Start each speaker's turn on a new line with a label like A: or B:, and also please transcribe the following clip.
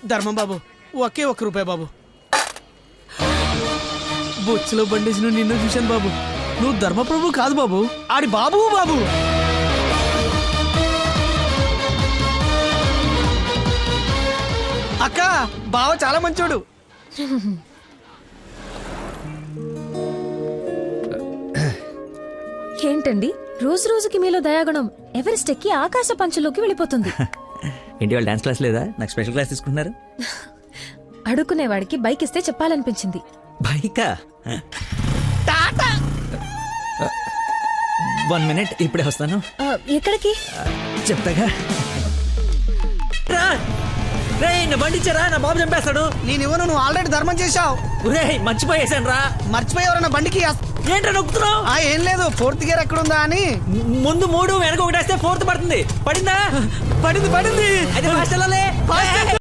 A: ధర్మం బాబు, ఒకే ₹1 బాబు. బొచ్చులో బండేసి నిన్ను చూశాను బాబు. నువ్వు ధర్మప్రభు కాదు బాబు, ఆడి బాబు బాబు. అక్క, బావ చాలా మంచోడు.
B: ఏంటండి రోజు రోజుకి మీలో దయాగుణం ఎవరెస్ట్ ఎక్కి ఆకాశ పంచులోకి వెళ్ళిపోతుంది.
C: ఏంటి వాళ్ళు డాన్స్ క్లాస్ లేదా? నాకు స్పెషల్ క్లాస్ తీసుకుంటున్నారు.
B: అడుక్కునేవాడికి బైక్ ఇస్తే చెప్పాలనిపించింది.
C: బైకా? 1 minute, ఇప్పుడే వస్తాను.
B: ఎక్కడికి?
C: చెప్తాగా. నా బండి ఇచ్చారా? నా బాబు చంపేస్తాడు.
A: నేనివ్వను, నువ్వు ఆల్రెడీ ధర్మం చేశావు.
C: మర్చిపోయేసాను రా.
A: మర్చిపోయేవరన్నా బండికి
C: ఏంట్రా నొక్కుతున్నావు?
A: ఏం లేదు, 4th గేర్ ఎక్కడుందా అని.
C: ముందు 3 వెనక 1 వేస్తే 4th పడుతుంది. పడిందా?
A: పడింది.
C: అది ఫాస్ట్ వెళ్ళాలి.